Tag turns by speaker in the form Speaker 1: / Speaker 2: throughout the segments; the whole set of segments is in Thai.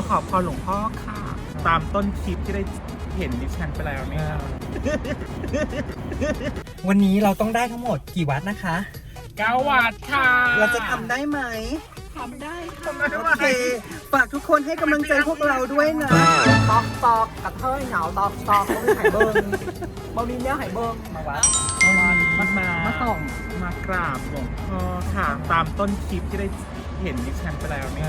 Speaker 1: มาขอพรหลวงพ่อค่ะตามต้นคลิปที่ได้เห็นดิฉันไปแล้วเนี่ย
Speaker 2: วันนี้เราต้องได้ทั้งหมดกี่วัดนะคะ
Speaker 1: 9 วัดค่ะ
Speaker 2: เราจะทำได้ไหม
Speaker 1: ทำได้
Speaker 2: โอเคฝากทุกคนให้กำลังใจพวกเราด้วยนะ
Speaker 3: ตอกตอกกระเทยเหงาตอกตอกเขาไม่หายเบิ้งบอมีเนี้ยหายเบิ้งมาวัด
Speaker 1: มาส่งมากราบหลวงพ่อค่ะตามต้นคลิปที่ได้เห็นดิฉันไปแล้วเนี่ย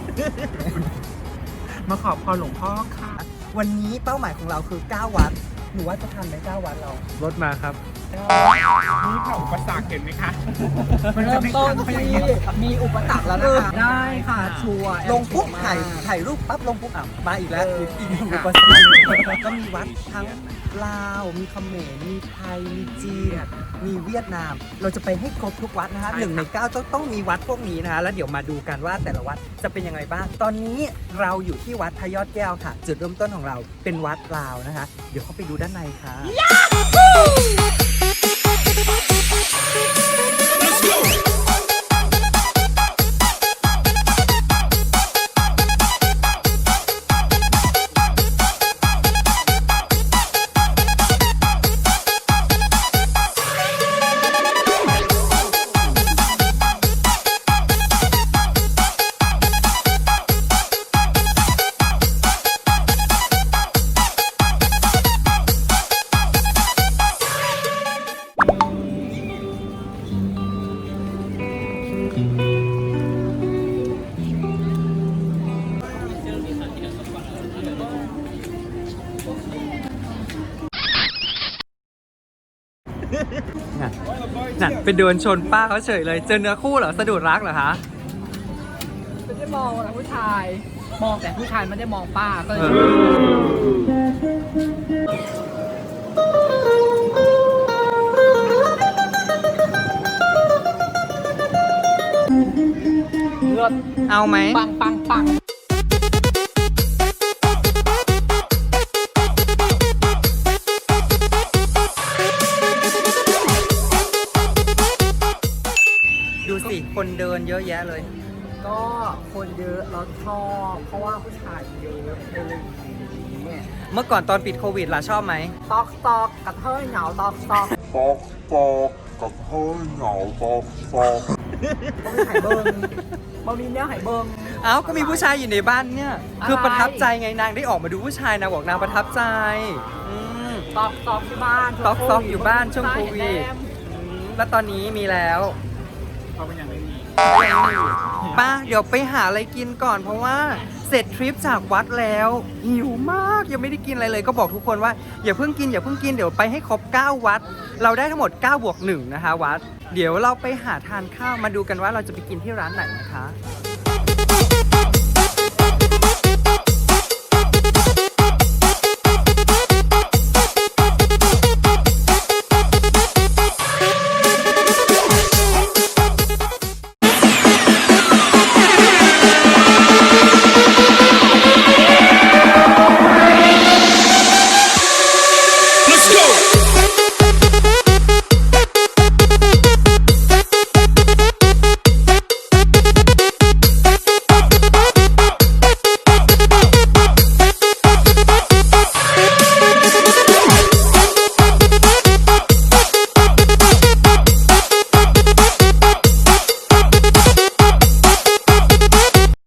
Speaker 1: มาขอพรหลวงพ่อค่ะ
Speaker 2: วันนี้เป้าหมายของเราคือ 9 วัดหนูว่าจะทันไหม9 วัดเรา
Speaker 4: รถมาครับ
Speaker 1: นี่ค่ะอุปสรรคเห็นไหมคะ
Speaker 3: เริ่มต้นที่มีอุปสรรคแล้วนะคะได้ค่ะชัวร์
Speaker 2: ลงปุ๊บถ่ายรูปปั๊บลงปุ๊บมาอีกแล้วอีกหนึ่งอุปสรรคก็มีวัดทั้งลาวมีเขมรมีไทยมีจีนมีเวียดนาม เราจะไปให้ครบทุกวัดนะคะ1 ใน 9ต้องมีวัดพวกนี้นะคะแล้วเดี๋ยวมาดูกันว่าแต่ละวัดจะเป็นยังไงบ้างตอนนี้เราอยู่ที่วัดพระยอดแก้วค่ะ จุดเริ่มต้นของเราเป็นวัดลาวนะคะเดี๋ยวเข้าไปดูด้านในค่ะนั่นไปเดินชนป้าเขาเฉยเลยเจอเนื้อคู่เหรอสะดุดรักเหรอคะ
Speaker 3: ไม่ได้มองแต่ผู้ชาย มองแต่ผู้ชายไม่ได้มองป้าก็เลยเลือด
Speaker 2: เอาไหม
Speaker 3: ปังปังปัง
Speaker 2: ดูสิคนเดินเยอะแยะเลย
Speaker 3: ก็คนเยอะเราชอบเพราะว่าผู้ชายเยอะเลยเนี่ย
Speaker 2: เมื่อก่อนตอนปิดโควิดล่ะชอบไหม
Speaker 3: ตอกตอกกระเทยเหงาตอกตอก
Speaker 5: ตอกตอกกับเฮ้ยเหงาตอกตอก
Speaker 3: เขาไม่หายเบิ้งบอมีเนี้ยหายเบิ้ง
Speaker 2: เอ้าก็มีผู้ชายอยู่ในบ้านเนี่ย
Speaker 3: อะไร
Speaker 2: คือประทับใจไงนางได้ออกมาดูผู้ชายนางบอกนางประทับใจอืม
Speaker 3: ตอกตอกที่บ้าน
Speaker 2: ตอกตอกอยู่บ้านช่วงโควิด แล้วตอนนี้มีแล้ว
Speaker 1: เขาเป็นอย่างไม่มี
Speaker 2: ป้าเดี๋ยวไปหาอะไรกินก่อนเพราะว่าเสร็จทริปจากวัดแล้วหิวมากยังไม่ได้กินอะไรเลยก็บอกทุกคนว่าอย่าเพิ่งกินเดี๋ยวไปให้ครบ9 วัด เราได้ทั้งหมด9 บวก 1นะคะวัด เดี๋ยวเราไปหาทานข้าวมาดูกันว่าเราจะไปกินที่ร้านไหนนะคะ